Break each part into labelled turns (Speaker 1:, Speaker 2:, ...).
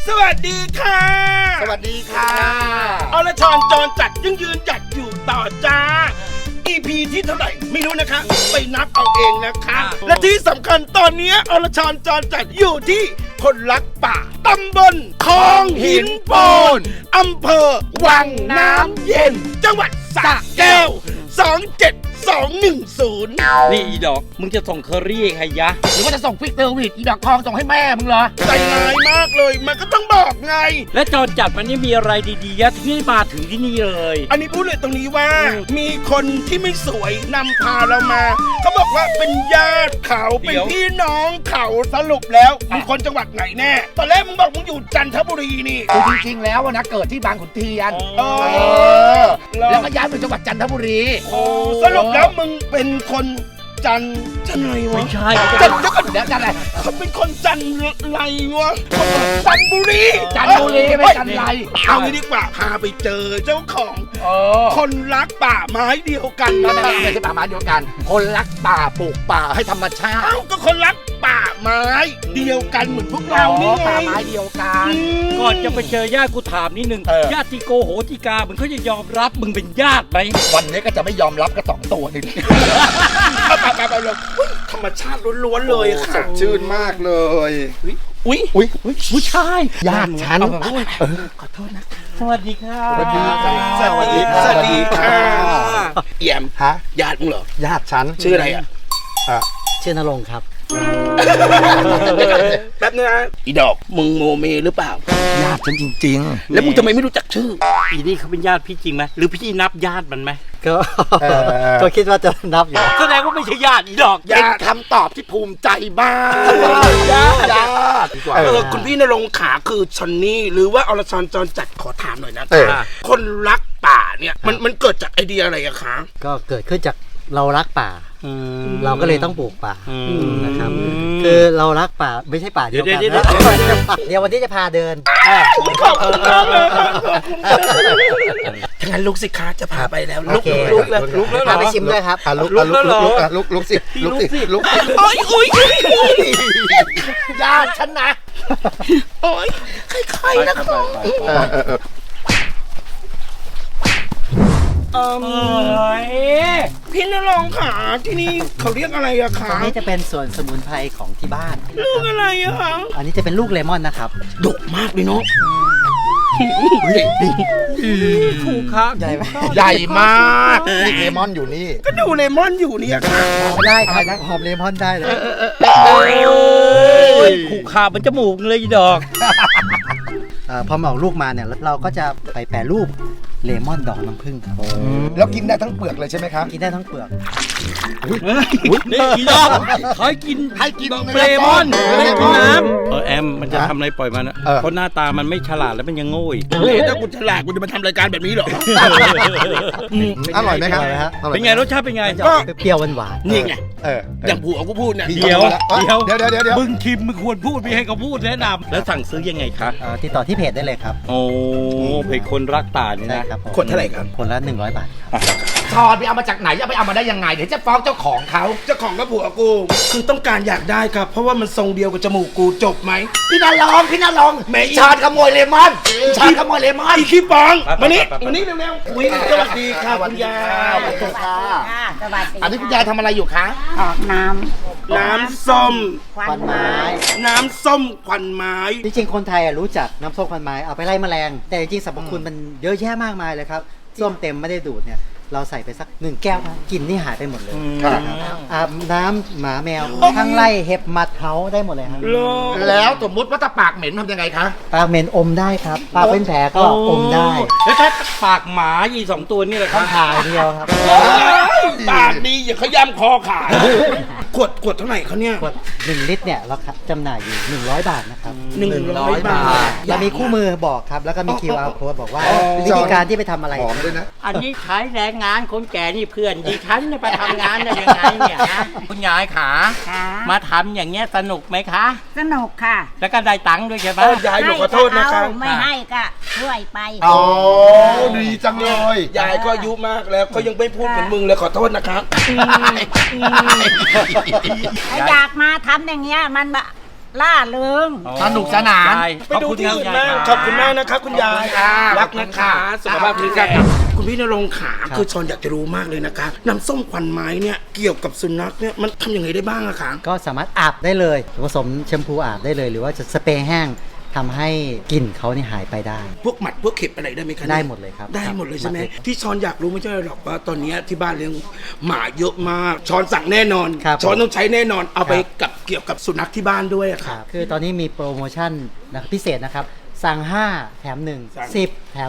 Speaker 1: สวัสดีค่ะ
Speaker 2: สวัสดีค่ะ
Speaker 1: อรชรจรจัดยังยืนหยัดอยู่ต่อจ้า EP ที่เท่าไหร่ไม่รู้นะคะไปนับเอาเองนะคะและที่สำคัญตอนนี้อรชรจรจัดอยู่ที่คนรักป่าตำบลคลองหินโปนอำเภอวังน้ำเย็นจังหวัดสระแก้ว27210
Speaker 3: นี่อีดอกมึงจะส่งเคอรี่ใครยะ
Speaker 2: หรือว่าจะส่งฟิกเตอร์วิดอีดอกทองส่งให้แม่มึงเหรอ
Speaker 1: ใจร้ายมากเลยมันก็ต้องบอกไง
Speaker 3: และจรจัดมันนี่มีอะไรดีๆยะที่มาถึงที่นี่เลย
Speaker 1: อันนี้พูดเลยตรงนี้ว่ามีคนที่ไม่สวยนำพาเรามาเขาบอกว่าเป็นญาติเขาเป็นพี่น้องเขาสรุปแล้วมึงคนจังหวัดไหนแน่ตอนแรกมึงบอกมึงอยู่จันทบุรีนี่
Speaker 2: คือจริงๆแล้วนะเกิดที่บางขุนเทียนแล้วก็ย้ายไปจังหวัดจันทบุรี
Speaker 1: สรุปแล้วมึงเป็นคนจันอะไรวะ
Speaker 3: ไม่ใช่
Speaker 1: จันเดี๋ยวก่อนเดี๋ยวจันอะไรเขาเป็นคนจันไรวะจันบุรี
Speaker 2: ไม่จันไร
Speaker 1: เอางี้ดีกว่าพาไปเจอเจ้าของคนรักป่าไม้เดียวกัน
Speaker 2: ไม่ใช่ป่าไม้เดียวกันคนรักป่าปลูกป่าให้ธรรมชาติ
Speaker 1: เอ้าก็คนรักป่าไม้เดียวกันเหมือนพวกเรานี่ไง
Speaker 2: ป่าไม้เดียวกัน
Speaker 3: ก่อนจะไปเจอญาติกูถามนิดนึงญาติโกโหติกามึงเขาจะยอมรับมึงเป็นญาติไหม
Speaker 2: วันนี้ก็จะไม่ยอมรับก็2 ตัวนึง
Speaker 1: ไปเลยธรรมชาติล้วนๆเลยค่ะ
Speaker 2: สดชื่นมากเลย
Speaker 3: อุ้ยผู้ชาย
Speaker 2: ญาติฉัน
Speaker 3: ขอโทษนะสวัสดีค่ะ
Speaker 2: สวัสดี
Speaker 1: ค่ะเอี่ยม
Speaker 2: ฮะ
Speaker 1: ญาติมึงเหรอ
Speaker 2: ญาติฉัน
Speaker 1: ชื่ออะไรอ่ะ
Speaker 3: ชื่อนรงค์ครับ
Speaker 1: แป๊บนึงนะอีดอกมึงโมเมหรือเปล่า
Speaker 2: ญาติฉันจริง
Speaker 1: ๆแล้วมึงทำไมไม่รู้จักชื่อ
Speaker 3: อีนี่เขาเป็นญาติพี่จริงไหมหรือพี่นับญาติมันไหม
Speaker 4: ก็คิดว่าจะนับอยู่
Speaker 3: แสดงว่าไม่ใช่ญาติอีดอก
Speaker 2: เป็นคำตอบที่ภูมิใจมากญาติ
Speaker 1: คุณพี่นรงค์ขาคือชอนนี่หรือว่าอรชรจรจัดขอถามหน่อยนะคนรักป่าเนี่ยมันเกิดจากไอเดียอะไรอะคะ
Speaker 4: ก็เกิดขึ้นจากเรารักป่าเราก็เลยต้องปลูกป่านะครับคือเรารักป่าไม่ใช่ป่าเดียวกันเดี๋ยววันนี้จะพาเดิน
Speaker 1: ถ้างั้นลุกสิคะจะพาไปแล้วลุก
Speaker 4: แล้วพาไปชิมด้วยครับ
Speaker 2: ลุกสิ
Speaker 1: อุ้ย
Speaker 2: ญาติฉันนะ
Speaker 1: โอ้ยใครๆนะครับพี่นรงค์ขาที่นี่เขาเรียกอะไรอะคะ
Speaker 4: อันนี้จะเป็นส่วนสมุนไพรของที่บ้าน
Speaker 1: ลูกอะไรอะคะ
Speaker 4: อันนี้จะเป็นลูกเลมอนนะครับ
Speaker 1: ดกมากเลยเนาะ
Speaker 3: ถูกครับ
Speaker 2: ใหญ่มากเลมอนอยู่นี่
Speaker 1: ก็ดูเลมอนอยู่นี่ค่ะ
Speaker 4: ได้ครับหอมเลมอนได้เลย
Speaker 3: ถูกขาบมันจมูกเลยดอก
Speaker 4: พอมาออกลูกมาเนี่ยเราก็จะไปแปรรูปเลมอนดอกน้ำผึ้งครับ
Speaker 2: แล้วกินได้ทั้งเปลือกเลยใช่ไหมครับ
Speaker 4: กินได้ทั้งเปลือก
Speaker 3: นี่อีดอกให้กินเลมอนไม่กินน้ำแอมมันจะทำอะไรปล่อยมันนะเพราะหน้าตามันไม่ฉลาดแล้วมันยังโง่
Speaker 1: ถ้ากูฉลาดกูจะมาทำรายการแบบนี้หรอ
Speaker 2: อร่อยไหมครับ
Speaker 3: เป็นไงรสชาติเป็นไง
Speaker 4: ก็เปรี้ยวหวาน
Speaker 1: นี่ไงอย่างผัวกูพูดเนี่ย
Speaker 3: เดี๋ยวมึงคิมมึงควรพูดไม่ให้เขาพูดแนะนำแล้วสั่งซื้อยังไงคะ
Speaker 4: ติดต่อที่เพจได้เลยครับ
Speaker 3: โอ้เพจคนรักป่านี่นะ
Speaker 1: คนเท่าไหร่ครับ
Speaker 4: คนละ100 บาท
Speaker 2: ถอดไปเอามาจากไหนจะไปเอามาได้ยังไงเดี๋ยวจะฟ้องเจ้าของเขา
Speaker 1: เจ้าของก็ผัวกูคือต้องการอยากได้ครับเพราะว่ามันทรงเดียวกับจมูกกูจบไหม
Speaker 2: พี่นาลองชาญขโมยเลมอน
Speaker 1: อีขี้ปองมานี่เร็วๆวิ่งสวัสดีค่ะคุณยาย
Speaker 2: สวัสดีค่ะอันนี้คุณยายทำอะไรอยู่คะ
Speaker 5: ออกน้
Speaker 1: ำส้ม
Speaker 4: ควันไม้
Speaker 1: น้ำส้มควันไม้
Speaker 4: จริงๆคนไทยรู้จักน้ำส้มควันไม้เอาไปไล่แมลงแต่จริงๆสรรพคุณมันเยอะแยะมากมายเลยครับส้มเต็มไม่ได้ดูดเนี่ยเราใส่ไปสัก1 แก้วกลิ่นนี่หายไปหมดเลยอาบน้ำหมาแมวทั้งไล่เห็บหมัดเขาได้หมดเลยครับ
Speaker 2: แล้วสมมติว่าถ้าปากเหม็นทำยังไงคะ
Speaker 4: ปากเหม็นอมได้ครับปากเป็นแผลก็อมได้
Speaker 3: แล้วถ้าปากหมาอี2 ตัวนี่แหละครับ
Speaker 4: ถ่ายเดียวครับ
Speaker 1: ปากดีอย่าขย้ำคอขาดขวดเท่าไหร่เขาเนี่ย
Speaker 4: ขวด1 ลิตรเนี่ยเราจำหน่ายอยู่100 บาทนะครับ
Speaker 1: 100 บาท
Speaker 4: เรามีคู่มือบอกครับแล้วก็มี QR code บอกว่าวิธีการที่ไปทำอะไร
Speaker 2: หอมด้วยนะ
Speaker 3: อันนี้ใช้แรงงานคนแก่นี่เพื่อนดิฉันไปทำงานได้ยังไงเนี่ยนะคุณยายขามาทำอย่างเงี้ยสนุกไหมคะ
Speaker 5: สนุกค่ะ
Speaker 3: แล้วก็ได้ตังค์ด้วยใช่ไหม
Speaker 1: ยายหนูขอโทษนะคะ
Speaker 5: ไม่ให้ก็ช่วยไป
Speaker 2: อ๋อดีจังเลย
Speaker 1: ยายก็อายุมากแล้วก็ยังไม่พูดเหมือนมึงเลยขอโทษนะครับ
Speaker 5: อยากมาทำอย่างเงี้ยมันล่าเริง
Speaker 2: สนุกสนาน
Speaker 3: ยาย
Speaker 1: ไปดูที่อื่นมาก
Speaker 3: ข
Speaker 1: ข
Speaker 3: อ
Speaker 1: อ
Speaker 3: บบ คุ
Speaker 1: คุณ ณ
Speaker 3: มาม
Speaker 1: าก กนะครับคุณยาย
Speaker 2: ค่ะ
Speaker 1: รักนะคะ สุขภาพแข็งแรง
Speaker 2: ครับ
Speaker 1: คุณพี่นรงค์ขาคือชอนอยากจะรู้มากเลยนะคะน้ำส้มควันไม้เนี่ยเกี่ยวกับสุนัขเนี่ยมันทำยังไงได้บ้างอะคะ
Speaker 4: ก็สามารถอาบได้เลยผสมแชมพูอาบได้เลย หรือว่าจะสเปรย์แห้งทำให้กลิ่นเขานี่หายไปได้
Speaker 1: พวกหมัดพวกเข็บอะไรได้ไหมคะ
Speaker 4: ได้หมดเลยครับ
Speaker 1: ได้หมดเลยใช่ไหม
Speaker 4: หมัดเล็ก
Speaker 1: ที่ชอนอยากรู้ไม่ใช่หรอกว่าตอนเนี้ยที่บ้านเลี้ยงหมาเยอะมากชอนสั่งแน่นอน
Speaker 4: ครับ
Speaker 1: ชอนต้องใช้แน่นอนเอาไป
Speaker 4: ครับ
Speaker 1: กับเกี่ยวกับสุนัขที่บ้านด้วยอะ
Speaker 4: ค
Speaker 1: ค่ะ
Speaker 4: รับคือตอนนี้มีโปรโมชั่นนะครับพิเศษนะครับ สั่ง 5 แถม
Speaker 1: สั่ง
Speaker 4: 1 10 แถม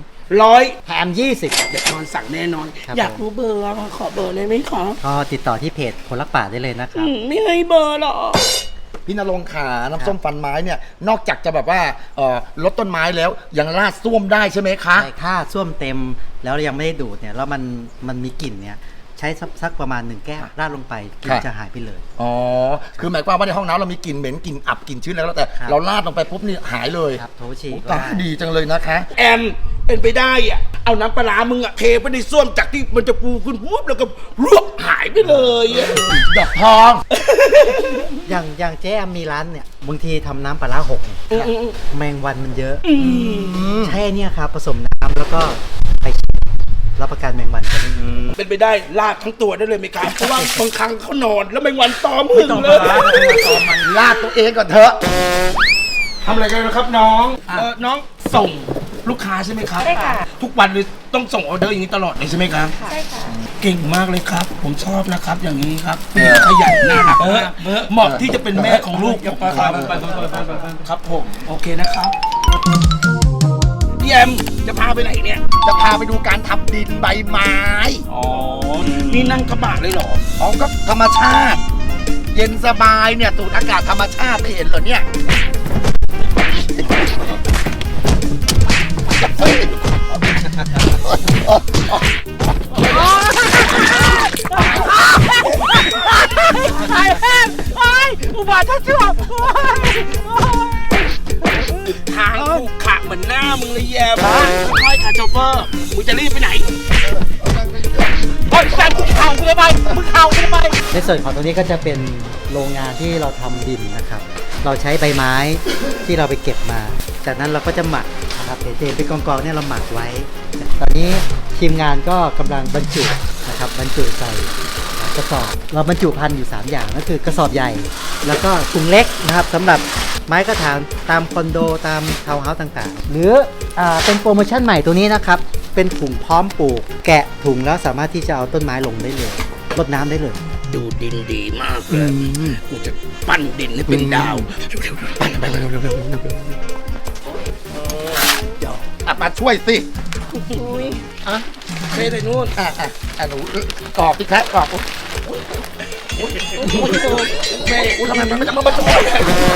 Speaker 1: 100
Speaker 4: 2 แถม 20
Speaker 1: เด็กชอนสั่งแน่นอน
Speaker 4: ครับ
Speaker 1: อยากรู้เบอร์อะขอเบอร์เลยไหมคะ
Speaker 4: ก็ติดต่อที่เพจคนรักป่าได้เลยนะครับ
Speaker 1: ไม่ให้เบอร์หรอก
Speaker 2: พี่นรงค์ขาน้ำส้มฟันไม้เนี่ยนอกจากจะแบบว่าลดต้นไม้แล้วยังราดส้วมได้ใช่ไหมคะ
Speaker 4: ใช่ถ้าส้วมเต็มแล้วยังไม่ได้ดูดเนี่ยแล้วมันมีกลิ่นเนี่ยใช้สักประมาณ 1 แก้วราดลงไปกลิ่นจะหายไปเลย
Speaker 2: อ๋อคือหมายความว่าในห้องน้ำเรามีกลิ่นเหม็นกลิ่นอับกลิ่นชื้นแล้วแต่
Speaker 4: ครับ
Speaker 2: เราราดลงไปปุ๊บนี่หายเลย
Speaker 4: ครับโถฉี่
Speaker 2: โอ้
Speaker 4: ก็
Speaker 2: ตาย
Speaker 4: ได้
Speaker 2: ดีจังเลยนะคะ
Speaker 1: แอมเป็นไปได้อะเอาน้ำปลาร้ามึงอะเทไปในส้วมจากที่มันจะปูขึ้นปุ๊บแล้วก็รวบหายไปเลยอะ
Speaker 2: ดอกทอง
Speaker 4: อย่างเจ๊แอมมีร้านเนี่ยบางทีทำน้ำปลาร้าหกเนี่ยแมงวันมันเยอะใช่เนี่ยครับผสมน้ำแล้วก็ไปรับประกันแมงวันจะไม่มี
Speaker 1: เป็นไปได้ลาดทั้งตัวได้เลยไหมครับเพราะว่าบางครั้งเขานอนแล้วแมงวันตอมหึง
Speaker 3: ต้อง
Speaker 1: เล
Speaker 3: มาย
Speaker 2: มันลาดตัวเองก่อนเถอะ
Speaker 1: ทำอะไรกันนะครับน้องน้องส่งลูกค้าใช่ไหมครับใช่ค่ะทุกวันเลยต้องส่งออเดอร์อย่างนี้ตลอดเลยใช่ไหมครับใช่ค่ะเก่งมากเลยครับ ผมชอบนะครับ อย่างนี้ครับขยันน่ารักมากเหมาะที่จะเป็นแม่ของลูกผมครับครับผมโอเคนะครับพี่แอมจะพาไปไหนเนี่ย
Speaker 2: จะพาไปดูการทำดินใบไม้
Speaker 1: อ๋อนี่นั่งกระบะเลยเหรอ
Speaker 2: อ๋อก็ธรรมชาติ เย็นสบายเนี่ยสูดอากาศธรรมชาติไม่เห็นเหรอเนี่ย
Speaker 1: ทางกูขะเหมือนหน้ามึงเลยแย่มากค่อยๆค่ะโชเฟอร์มึงจะรีบไปไหนโอ๊ยแซมมึงเข่ากูทำไมมึงเข่ากูทำไม
Speaker 4: ในส่วนของตรงนี้ก็จะเป็นโรงงานที่เราทำดินนะครับ เราใช้ใบไม้ที่เราไปเก็บมา จากนั้นเราก็จะหมักนะครับเศษเป็นกองๆเนี่ยเราหมักไว้ ตอนนี้ทีมงานก็กำลังบรรจุนะครับบรรจุใส่กระสอบ เราบรรจุพันธุ์อยู่ 3 อย่างก็คือกระสอบใหญ่ แล้วก็ถุงเล็กนะครับสำหรับไม้กระถางตามคอนโดตามทาวน์เฮาส์ต่างๆ หรือเป็นโปรโมชั่นใหม่ตัวนี้นะครับ เป็นถุงพร้อมปลูก แกะถุงแล้วสามารถที่จะเอาต้นไม้ลงได้เลยรดน้ำได้เลย
Speaker 1: ดูดินดีมากเลยกูจะปั้นดินให้เป็นดาวปั้นไปเร็วๆ
Speaker 2: มาช่วยสิ
Speaker 1: เทใส่นู่น
Speaker 2: หนูกรอกที่แคะกรอก
Speaker 1: แม่ทำไมมันไม่มาช่วย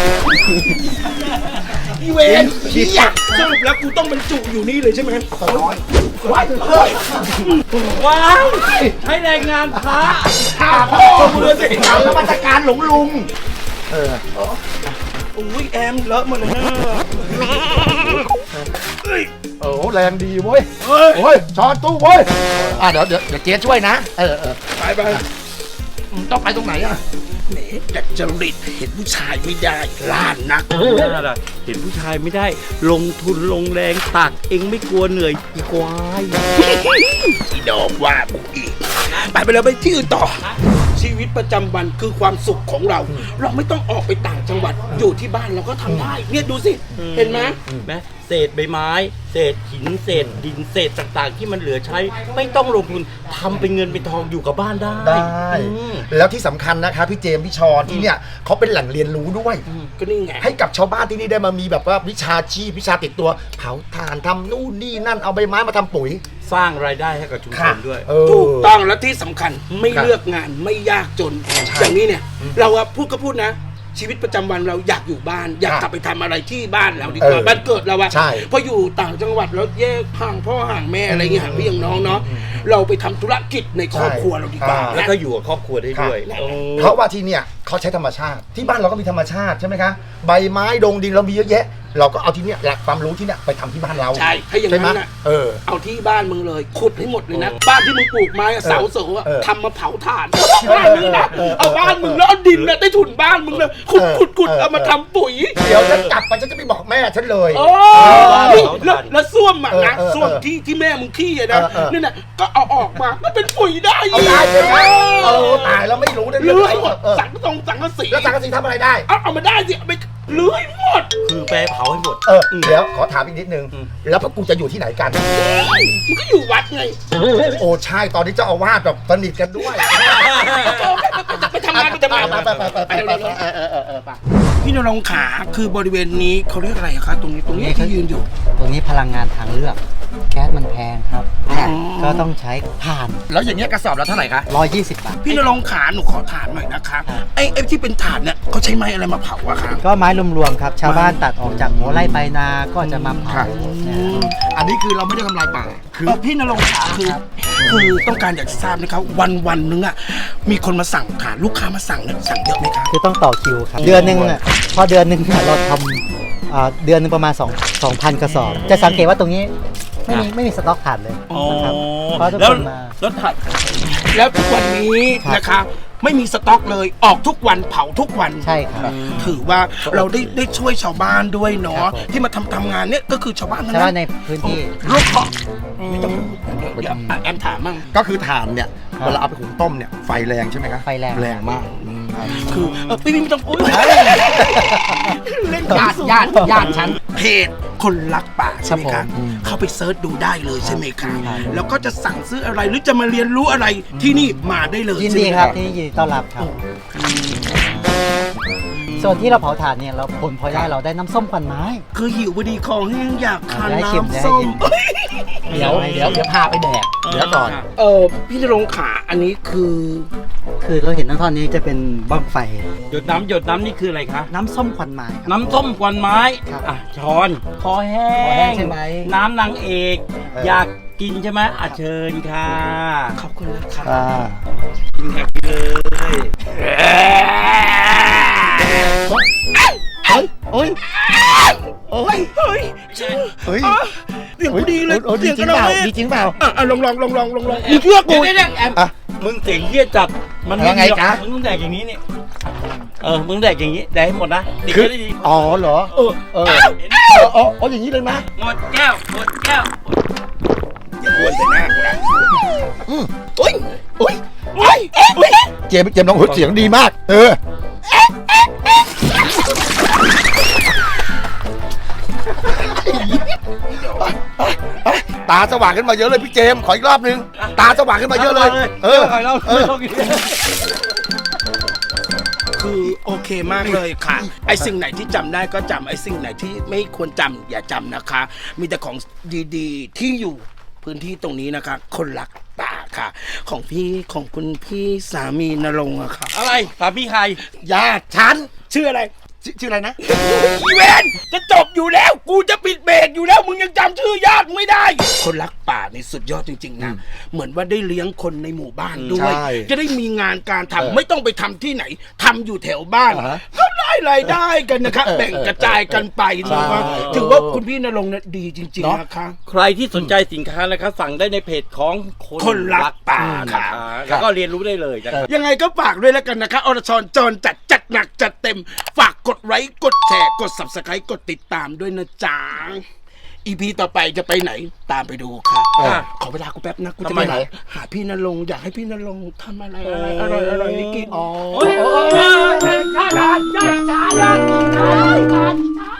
Speaker 1: อีเวนพี่อยากสรุปแล้วกูต้องบรรจุอยู่นี่เลยใช่ไหมว้าย
Speaker 3: ว้าวใช้แรงงานพระ
Speaker 1: ข้าพ่อมือสิ
Speaker 2: เอานมัสการหลวงลุง
Speaker 1: อุ้ยแอมเลอะหมดเลยนะ
Speaker 2: โอ้แรงดีเว้ยโอ้ยช้อนตู้เว้ยเดี๋ยวเจ๊ช่วยนะ
Speaker 1: ไป
Speaker 2: ต้องไปตรงไหนอ่ะ
Speaker 1: แหมดัดจริตเห็นผู้ชายไม่ได้ล้านนัก
Speaker 3: เห็นผู้ชายไม่ได้ ลงทุนลงแรงตักเองไม่กลัวเหนื่อยอีควาย
Speaker 1: อีดอกว่ากูอีกไปเลยไปที่อื่นต่อ ชีวิตประจำวันคือความสุขของเรา เราไม่ต้องออกไปต่างจังหวัดอยู่ที่บ้านเราก็ทำได้เนี่ยดูสิเห็นไหม
Speaker 3: แม้เศษใบไม้ เศษหินเศษดินเศษต่างๆ ที่มันเหลือใช้ ไม่ต้องลงทุนทำเป็นเงินเป็นทองอยู่กับบ้านได้
Speaker 2: แล้วที่สำคัญนะคะพี่เจมส์พี่ชอนที่เนี่ยเขาเป็นแหล่งเรียนรู้ด้วย
Speaker 1: ก็นี่ไง
Speaker 2: ให้กับชาวบ้านที่นี่ได้มามีแบบว่าวิชาชีพวิชาติดตัวเผาถ่านทำนู่นนี่นั่นเอาใบไม้มาทำปุ๋ย
Speaker 3: สร้างรายได้ให้กับชุมชนด้วย
Speaker 1: ถูกต้องและที่สำคัญไม่เลือกงานไม่ยากจน อย่างนี้เนี่ยเราอะพูดก็พูดนะ ชีวิตประจำวันเราอยากอยู่บ้าน อยากกลับไปทำอะไรที่บ้านเราดีกว่าบ้านเกิดเราอะ
Speaker 2: ใช่
Speaker 1: พออยู่ต่างจังหวัดแล้วแยกห่างพ่อห่างแม่อะไรเงี้ยห่างพี่อย่างน้องเนาะเราไปทำธุรกิจในครอบครัวเราดีกว่า
Speaker 3: แล้วก็อยู่กับครอบครัวได้ด้วย
Speaker 2: เพราะว่าที่เนี่ยเขาใช้ธรรมชาติที่บ้านเราก็มีธรรมชาติใช่ไหมคะใบไม้ดงดินเรามีเยอะแยะเราก็เอาที่เนี้ยหลักความรู้ที่เนี้ยไปทำที่บ้านเรา
Speaker 1: ใช่ถ้าอย่างนั้น
Speaker 2: ใช่ไหม
Speaker 1: น่ะ
Speaker 2: เอา
Speaker 1: ที่บ้านมึงเลยขุดให้หมดเลยนะ บ้านที่มึงปลูกไม้อะเสาเสาอะทำมาเผาถ่านบ้านนี้นะเอาบ้านมึงแล้วเอาดินน่ะได้ถุนบ้านมึงเลยขุดเอามาทำปุ๋ย
Speaker 2: เดี๋ยวฉันกลับไปฉันจะไปบอกแม่ฉันเลย
Speaker 1: โอ้นี่แล้วส้วมอะนะส้วมที่แม่มึงขี้อะนะนี่น่ะก็เอาออกมาก็เป็นปุ๋ยได้
Speaker 2: เอาได้ใช่ไหมตายแล้วไม่รู้ได้
Speaker 1: เลื้
Speaker 2: เรื่
Speaker 1: อย
Speaker 2: อง
Speaker 1: หมด
Speaker 2: อะไร
Speaker 1: สังกะสี
Speaker 2: แล้วสังกะสีทำอะไรได้
Speaker 1: เอามาได้สิเอาไปเลื้อยหมด
Speaker 3: คือแปรเผาให้หมด
Speaker 2: เดี๋ยวขอถามอีกนิดนึง แล้วพวกกูจะอยู่ที่ไหนกัน
Speaker 1: มันก็อยู่วัดไง
Speaker 2: โอ้ใช่ตอนนี้เจ้าอาวาสแบบสนิทกันด้วย
Speaker 1: ไปทำงานไปพี่นรงค์ขาคือบริเวณนี้เขาเรียกอะไรคะตรงนี้ที่ยืนอยู่
Speaker 4: ตรงนี้พลังงานทางเลือก แก๊สมันแพงครับก็ต้องใช้ถ่าน
Speaker 2: แล้วอย่างเงี้ยกระสอบละเท่าไหร่คะ
Speaker 4: 120 บาท
Speaker 1: พี่นรงค์ขาหนูขอถามหน่อยนะคะไอ้ที่เป็นถ่านเนี่ยเขาใช้ไม้อะไรมาเผาอะคะ
Speaker 4: ก็ไม้รวมๆครับ ชาวบ้านตัดออกจากหัวไร่ไปนาก็จะมาเผานะฮะ
Speaker 2: อันนี้คือเราไม่ได้ทำลายป่าคือ
Speaker 1: พี่นรงค์ขาคือต้องการอยากจะทราบนะครับวันนึงอะมีคนมาสั่งถ่านลูกค้ามาสั่งเนี่ยสั่งเยอะไหมคะ
Speaker 4: คือต้องต่อคิวครับ เดือนหนึ่งอ่ะพอเดือนหนึ่งเนี่ยเราทำเดือนหนึงประมาณ2,000 กระสอบ จะสังเกตว่าตรงนี้ไม่มีสต็อกถ่านเลยนะครับเพราะทุกคนมา
Speaker 3: แล้วถัด
Speaker 1: แล้วทุกวันนี้นะคะไม่มีสต็อกเลยออกทุกวันเผาทุกวัน
Speaker 4: ใช่ครับ
Speaker 1: ถือว่าเราได้ช่วยชาวบ้านด้วยเนาะที่มาทำงานเนี่ยก็คือชาวบ้านทั้ง
Speaker 4: ชาว
Speaker 1: นั้
Speaker 4: บ้าน
Speaker 1: น
Speaker 4: ในพื้นที่
Speaker 1: ลูกขอไม่ต้องพูดเดี๋ยวแอมถามมั่ง
Speaker 2: ก็คือถ่านเนี่ยเวลาเอาไปหุงต้มเนี่ยไฟแรงใช่ไหมครับ
Speaker 4: ไฟแรง
Speaker 2: แรงมาก
Speaker 1: คือพี่ไม่ต้องพูดเล่น
Speaker 2: ญาติฉัน
Speaker 1: เพจคนรักป่าใช่ไหม
Speaker 4: ครั
Speaker 1: คะ
Speaker 4: บผม
Speaker 1: เข้าไปเซิร์ชดูได้เลยใช่ไหมคะแล้วก็จะสั่งซื้ออะไรหรือจะมาเรียนรู้อะไรที่นี่มาได้เลย
Speaker 4: ยิน
Speaker 1: ใช่
Speaker 4: ดี
Speaker 1: ไหม
Speaker 4: ครับที่นี่ยินดีต้อนรับครับ ส่วนที่เราเผาถ่านเนี่ยเราผลพลอยได้เราได้น้ำส้มควันไม้
Speaker 1: คือหิวพอดีคอแห้งอยากทาน
Speaker 4: ได้ชิมได้
Speaker 1: น้ำส้ม
Speaker 4: ชิม
Speaker 2: เดี๋ยวพาไปแดกเดี๋ยวก่อน
Speaker 1: พี่นรงค์ขาอันนี้คือ
Speaker 4: คือเราเห็นทั้งท่อนนี้จะเป็นบ้างไฟ
Speaker 3: หยดน้ำนี่คืออะไรคะ
Speaker 4: น้ำส้มควันไม้ครับ
Speaker 3: น้ำส้มควันไม้
Speaker 4: ครับ
Speaker 3: อ่ะช้อนคอแห้
Speaker 4: คอแห้งใช่ไหม
Speaker 3: น้ำนางเอก อยากกินใช่ไหมอ่ะเชิญค่ะ
Speaker 1: ขอบคุณนะคะ
Speaker 3: กินค่ะกินเลย
Speaker 2: โอ้ย
Speaker 1: เฮ้ยเฮ้ย
Speaker 2: เฮ้ย
Speaker 1: เสียงพอดีเลย
Speaker 2: ดีจริงเปล่าดีจริงเปล่า
Speaker 1: ลองมึงเชื่อกู
Speaker 3: เดี๋ยวแอม
Speaker 2: อ่ะ
Speaker 3: มึงเสียงเฮี้ยจัดมัน
Speaker 2: แล้วไงจ๊ะ
Speaker 3: มึงต้องแดกอย่างนี้นี่มึงแดกอย่างนี้แดกให้หมดนะติด
Speaker 2: คือ
Speaker 3: ได้ดี
Speaker 2: อ๋อเหรอ
Speaker 1: เออ
Speaker 2: อ๋ออย่างนี้เลยนะ
Speaker 3: หมดแก้วหมดแก้ว
Speaker 1: ควรจะหน้ากูนะ
Speaker 2: โอ้ย เจมส์น้องเสียงดีมาก ตาสว่างขึ้นมาเยอะเลยพี่เจมส์ขออีกรอบนึง ตาสว่างขึ้นมาเยอะเลย
Speaker 1: คือโอเคมากเลยค่ะ ไอสิ่งไหนที่จำได้ก็จำไอสิ่งไหนที่ไม่ควรจำอย่าจำนะคะ มีแต่ของดีๆที่อยู่พื้นที่ตรงนี้นะคะ คนรักป่าค่ะ ของคุณพี่สามีนรงค์อะค่ะ
Speaker 3: อะไรสามีใคร
Speaker 2: ญาติฉัน
Speaker 1: ชื่ออะไร
Speaker 2: ชื่ออะไรนะ
Speaker 1: อีเวนจะจบอยู่แล้ว กูจะปิดเบรกอยู่แล้วมึงยังจำชื่อญาติไม่ได้ คนรักป่านี่สุดยอดจริงๆนะเหมือนว่าได้เลี้ยงคนในหมู่บ้านด้วย
Speaker 2: ใช่
Speaker 1: จะได้มีงานการทำไม่ต้องไปทำที่ไหนทำอยู่แถวบ้าน ก็ได้รายได้กันนะครับแบ่งกระจายกันไปนะครับถือว่าคุณพี่นรงค์เนี่ยดีจริงๆนะคะ
Speaker 3: ใครที่สนใจสินค้านะครับสั่งได้ในเพจของ
Speaker 1: คนรักป่า
Speaker 3: นะ
Speaker 1: ค่ะ
Speaker 3: คะแล้วก็เรียนรู้ได้เลยนะครับ
Speaker 1: ยังไงก็ฝากด้วยแล้วกันนะคะอรชรจรจัดหนักจัดเต็ม ฝากกดไลค์กดแชร์กด Subscribe กดติดตามด้วยนะจ๊ะ EP ต่อไปจะไปไหนตามไปดูค่ะ ขอเวลากูแป๊บนะกูจะไปหาพี่นรงค์อยากให้พี่นรงค์ทำอะไรอร่อยๆให้กิน
Speaker 3: โอ้ย